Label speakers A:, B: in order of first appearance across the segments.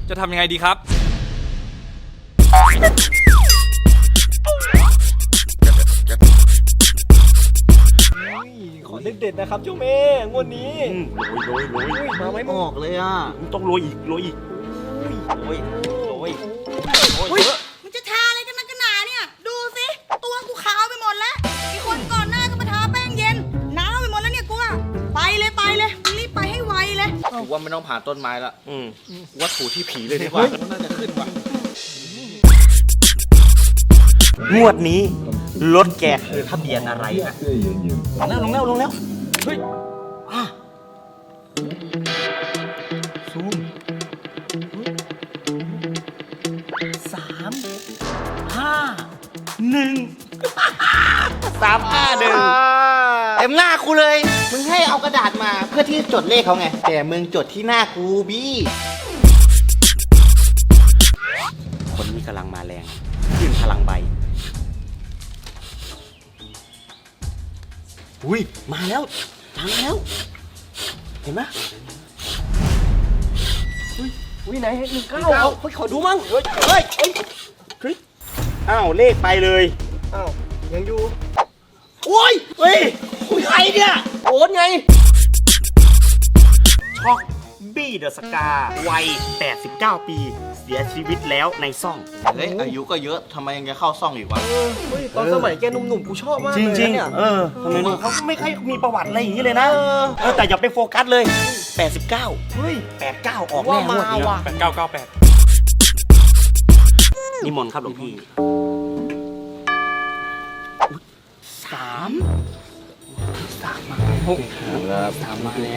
A: จะทำยังไงดีครับ
B: ขอเด็ดๆนะครับเจ้าแม่งวดนี้
C: โรย
B: มาไม่ออกเลยอ่ะ
C: ต้องโรยอีกโรย
D: มึงจะทาอะไรกันนักกันหนาเนี่ยดูสิตัวกูขาวไปหมดแล้วไอ้คนก่อนหน้าก็มาทาแป้งเย็นหนาวไปหมดแล้วเนี่ยกูอะไปเลยมึงรีบไปให้ไวเลย
E: กูว่าไม่ต้องผ่านต้นไม้ละกูว่าถูที่ผีเลยดีกว่าน่าจะขึ้นว่ะ
C: งวดนี้รถแกคือทะเบียนอะไรนะลงแล้วเฮ้ยซูม351
E: เต็มหน้ากูเลย มึงให้เอากระดาษมาเพื่อที่จดเลขเขาไง แต่มึงจดที่หน้ากูบี้
C: คนนี้กำลังมาแรงขึ้นพลังใบอุ้ยมาแล้วเห็นไหม
B: อุ้ยไหน19ขอดูมั่ง
C: เฮ้ยอ้าวเลขไปเลย
B: อ้าวยังอยู่
C: โอ้ยเฮ้ยคุยใครเนี่ย
B: โอนไง
C: ช็อกบี้เดอะสกาวัย89 ปีเสียชีวิตแล้วในซ่อง
E: เฮ้ยอายุก็เยอะทำไมยังจะเข้าซ่องอีกวะ
B: เฮ้ยตอนสมัยแกหนุ่มๆกูชอบมาก
C: จ
B: เลย
C: ริง
B: เนี่ย
C: ทำไมเขาไม่ค่อยมีประวัติอะไรอย่างนี้เลยนะแต่อย่าไปโฟกัสเลย89
B: เฮ้ย
C: 89ออกแน่งวดนี้
B: ว่ะ
A: 8998
C: นิมนต์ครับหลวงพี่สามมาแล้ว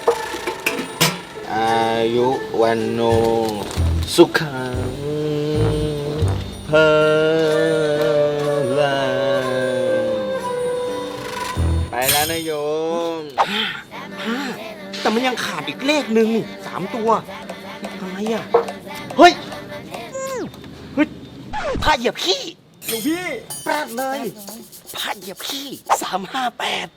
E: อายุวันโนสุขังเพลังไปแล้วนะโยม
C: แต่มันยังขาดอีกเลขหนึ่ง3 ตัวอะไรอ่ะเฮ้ยผ้าเหยียบขี้
B: หลวงพี่
C: แปลกเลยผ้าเหยียบขี้358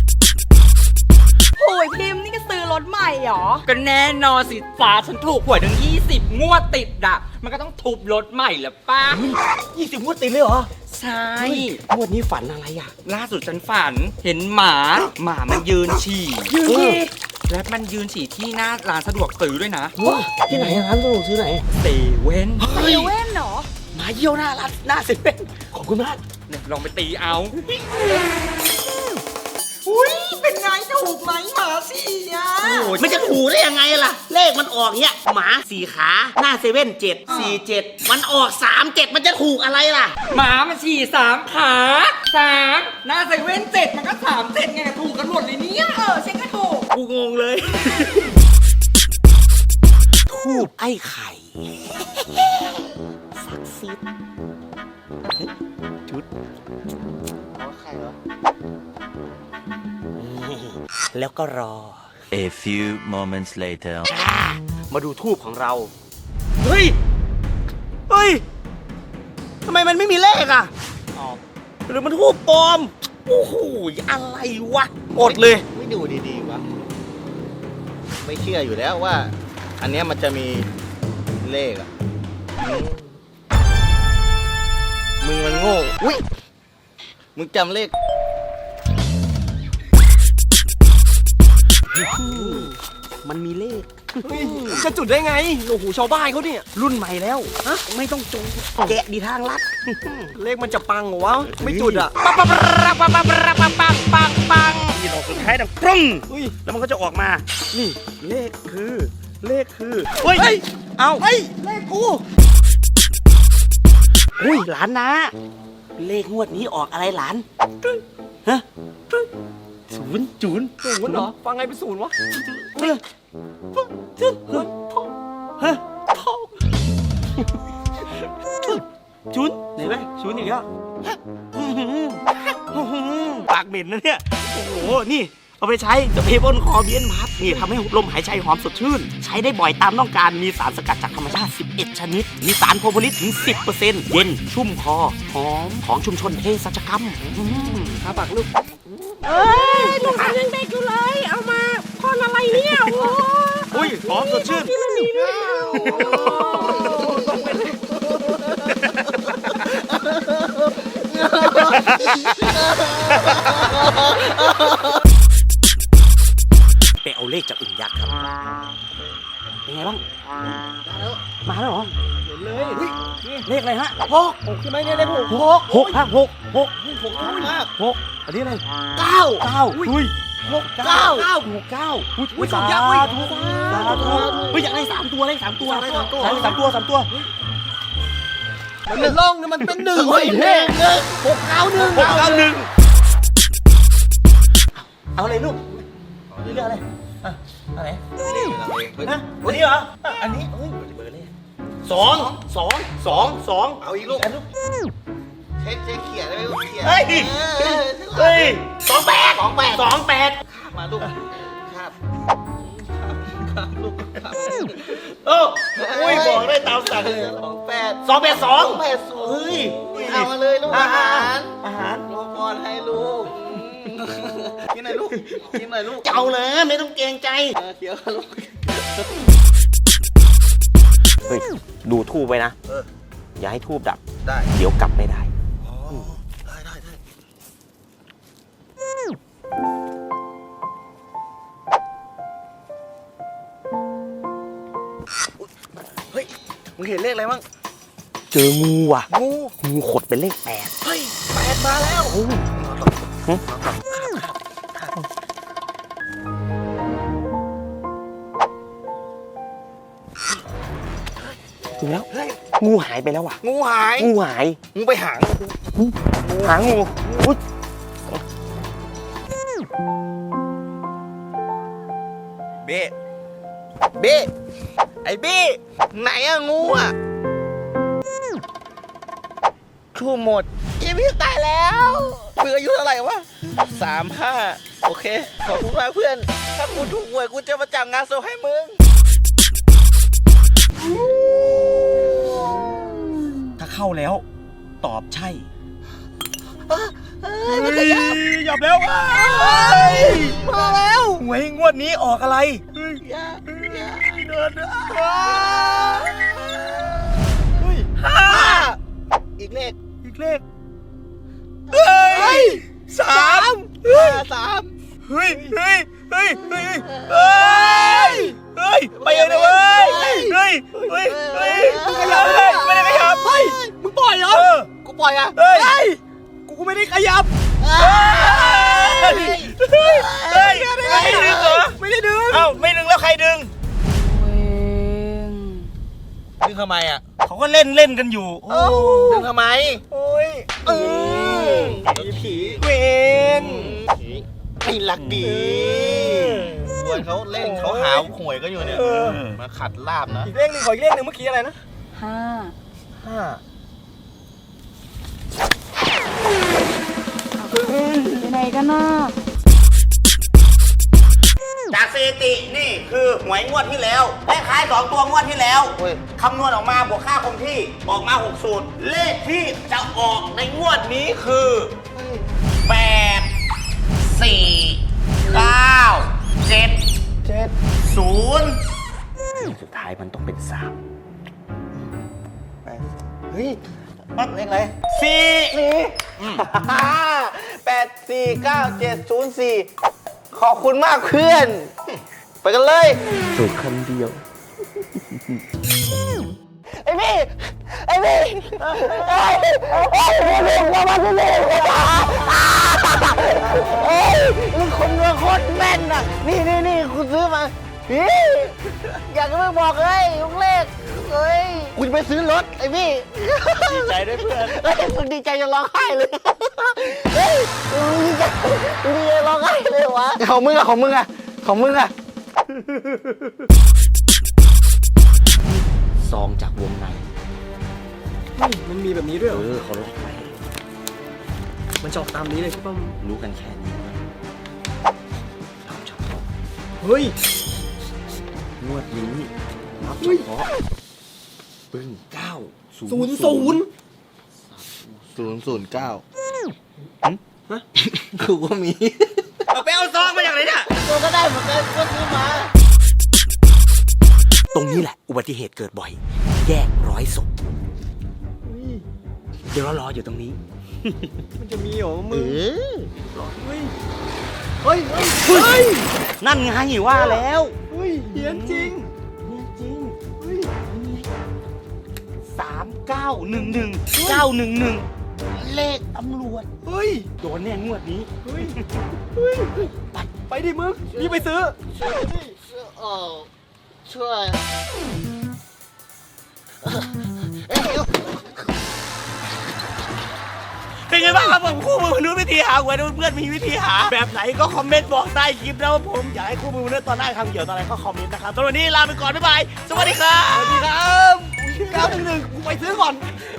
D: โอ้ยพิมพ์นี่ก็ซื้อรถใหม่เหรอ
A: ก็แน่นอนสิฟ้าฉันถูกหวยถึง20 งวดติดอะมันก็ต้องทุบรถใหม่แล้วป้า
C: 20 งวดติดเลยเหรอ
A: ใช่
C: งวดนี้ฝันอะไรอ่ะ
A: ล่าสุดฉันฝันเห็นหมามันยืนฉี่และมันยืนฉี่ที่หน้าร้านสะดวกซื้อด้วยนะ
C: ที่ไหนร้านสะดวกซื้อไหน
A: เซเว่น
D: เซเว่นเหรอ
C: หมาเยี่ยวหน้าร้านหน้าเซเว่นขอบคุณมาก
A: เนี่ยลองไปตีเอา
D: อุ้ยเป็นไงถูกไหมหมาสี่อ่ะ
C: มันจะถูกได้ยังไงล่ะ เลขมันออกเนี้ยหมา4 ขาหน้าเซเว่น747มันออก37มันจะถูกอะไรล่ะ
A: หมามันฉี่3 ขา3หน้าเซเว่น7มันก็37ไงถูกกันหมดเลยเนี่ย
D: ฉันก็ถูก
C: กูงงเลย ทูบไอ้ไข่ศักดิ์สิทธิ์จุดแล้วก็รอ
F: A few moments later
C: มาดูทูบของเรา เฮ้ยทำไมมันไม่มีเลขอ่ะหรือมันทูบปลอม โอ้โหอะไรวะอดเลย
E: ไม่ดูดีๆวะไม่เชื่ออยู่แล้วว่า อันเนี้ยมันจะมีเลขอ่ะมึงมันโง่อุ้ยมึงจำเลข
C: มันมีเลข
B: จะจุดได้ไงโอ้โหชาวบ้านเขาเนี่ย
C: รุ่นใหม่แล้วไม่ต้องจงแกะดีทางลัด
B: เลขมันจะปังเหรอวะไม่จุดอ่ะ
C: นี่ดอกสุดท้ายดังปรึ้ง
B: อุ้ย
C: แล้วมันก็จะออกมา นี่เลขคือเฮ้ยเอา
B: เลขกู
C: อุ้ยหลานนะเลขงวดนี้ออกอะไรหลานฮะศูนย์
B: เหรอฟังไงเป็นศูนย์วะ
C: ฮะชุนไหนไหมชุนอีกแล้วปากเหม็นนะเนี่ย โอ้โห นี่ เอาไปใช้จะเพบนคอเบียนพัดนี่ทำให้ลมหายใจหอมสดชื่น ใช้ได้บ่อยตามต้องการ มีสารสกัดจากธรรมชาติ 11 ชนิด มีสารโพลิสถึง 10% เย็น ชุ่มคอ หอม ของชุมชนเภสัชกรรม
B: หาปากลูก
D: ลูกค้ายังเด็กอยู่เลย เอามาพ่นอะไรเนี่ยโอ้
C: อุ้ยหอมสดชื่น
D: ย
C: ไปเอาเลขจากอึ่งยักษ์ครับ เป็นไงบ้าง มาแล้วเหรอ
B: เห็นเลยเฮ้ย
C: เลขอะไรฮะ
B: หกใช่ไหมเนี่ยเลขหก
C: หกฮะหก
B: มาก
C: หกอันนี้อะไร
B: เก้า
C: เก้าอุ้ย
B: หกเก้า
C: หกเก้า
B: อุ้ยสองยักษ์เว้ย
C: สาธุเฮ้ยอยากได้3 ตัวเลข3 ตัว
B: อยากได้สามตัว
C: สามตัว3 ตัว
B: มันเป็นล่องนะมันเป็นหนึ่งเฮ้ยเฮ้ยหกเก้าหนึ่ง
C: 691เอาอะไรลูกนี่เรื่องอะไรอ่ะอะไรนะวันนี้เหรออ่ะอันนี้เฮ้ยเบอร์เลข2
E: เอาอีกลูกเช็คเขียนได้ไหมลูกเขียน
C: เฮ้ย เฮ้ย28
E: มาลูกครับ
C: เอออุ้ยบอกได้ตามสั่งเลย
E: 28
C: 282เฮ้ย
E: เอามาเลยลูกอาหาร
C: อาหาร
E: โลกอนให้ลูกกินหน่อยลูกกินหน่อยลูก
C: เจ้าเลยไม่ต้องเกรงใจ
E: เขียวลูก
C: เฮ้ย ดูทูบไว้นะ อย่าให้ทูบดับ
E: ได้
C: เดี๋ยวกลับไม่ได้
E: ได้เฮ้ยมึงเห็นเลขอะไรบ้าง
C: เจองูว่ะ
E: งู
C: งูขดเป็นเลข
E: เฮ้ย8มาแล้ว
C: 8ถึงแล้ว งูหายไปแล้วว่ะ
E: งูหาย
C: งูหาย
E: งูไปหาง
C: หางูอุ๊ย
E: เบ้เบ้ไอ้เบ้ไหนอะงูอะทูหมดอีพี่ตายแล้วมึงอายุเท่าไหร่วะ35โอเคขอบคุณมากเพื่อนถ้ากูถูกหวยกูจะมาจัดงานศพให้มึง
C: ถ้าเข้าแล้ว ตอบใช่
E: มันขยับ
C: หยับแล้ว
E: มาแล้ว
C: หวยงวดนี้ออกอะไร
E: อย่า
C: เดิน
E: อีกเลข
C: อีกเลขเฮ้ย3
E: 3
C: เฮ้ยเฮ้ยเฮ้ยเฮ้ยเฮ้ยเฮ้ยไปเลยนะเว้ยเฮ้ยเฮ้ยเฮ้ยขยับเลยไม่ได้ขยับเฮ้ย
B: มึงปล่อยเหรอ
E: กูปล่อยอะ
C: เฮ้ย
B: กูไม่ได้ขยับ
C: เฮ้ยไม่ดึงเหรอ
B: ไม่ได้ดึง
C: เอ้าไม่ดึงแล้วใครดึง
E: ดึงทำไมอะ
C: เขาก็เล่นกันอยู่โอ้
E: ดึงทำไม
C: โอ้ย
E: ผี
C: เวน
E: ไม่รักดีวนเขาเล่นเขาหาหวยก็อยู่เนี่ยมาขัดลาบนะ
B: อีกเลขหนึ่งขออีกเลขหนึ่งเมื่อกี้อะไรนะ
D: ไปไหนกันน่ะ
C: จากสถิตินี่คือหวยงวดที่แล้วเลขท้าย2 ตัวงวดที่แล้ว
E: เว้ย
C: คำนวณออกมาบวกค่าคงที่ออกมา6สูตรเลขที่จะออกในงวดนี้คือ8 4 9 7 0สุดท้ายมันต้องเป็น3
E: เฮ้ยเลขอะไร 84970 ขอบคุณมากเพื่อน ไปกันเลย
C: ถูกคำเดียว
E: ไอ้พี่ไอ้พี่มึงคนเมืองโคตรแม่นน่ะนี่คุณซื้อมาพี่อยากจะไม่บอกเลยลูกเลขเฮ้ยกูจะไปซื้อรถไอ้พี่ดีใจด้วยเพื่อนเฮ้ยมึงดีใจจะร้องไห้เลยเฮ้ยมึงดีใจร้องไห้เลยวะของมึงอะ
C: ซองจากวงใน
B: มันมีแบบนี้ด้วยเหรอ
C: เขาล็อกไว้
B: มันจะออกตามนี้เลยใช่ป่ะ
C: รู้กันแค่นี้รับเฉพาะ
B: เฮ้ย
C: งวดนี้รับเฉพาะปึ้ง9
B: 009
E: กูก็มี
C: เอาไปเอาซองมาจากไหนเนี่ย
E: กูก็ได้เหมือนกันก็ซื้อมา
C: ตรงนี้แหละ อุบัติเหตุเกิดบ่อย แยก100 ศพเดี๋ยวรออยู่ตรงนี้
B: มันจะมีเหรอมึง
E: อ
B: เฮ้ยเฮ้ยเฮ้ย
C: นั่นไงว่าแล้ว
B: เฮ้ยเฮียนจริง
C: จริง
B: เฮ้ย
C: 3911 เลขตำรวจ
B: เฮ้ย
C: โดนแน่งวดนี้
B: เฮ้ยเฮ้ยไปดิมึงรีบไปซื้อ
E: ช่วย
C: เป็นไงบ้างครับผมคู่มือมนุษย์วิธีหาหวยเพื่อนมีวิธีหา แบบไหนก็คอมเมนต์บอกใต้คลิปนะว่าผมอยากให้คู่มือมนุษย์ตอนหน้าทำเกี่ยวตอนอะไรก็คอมเมนต์นะครับตอนนี้ลาไปก่อนบ๊ายบายสวัสดีครับ
B: สวัสดีครับ911กูไปซื้อก่อน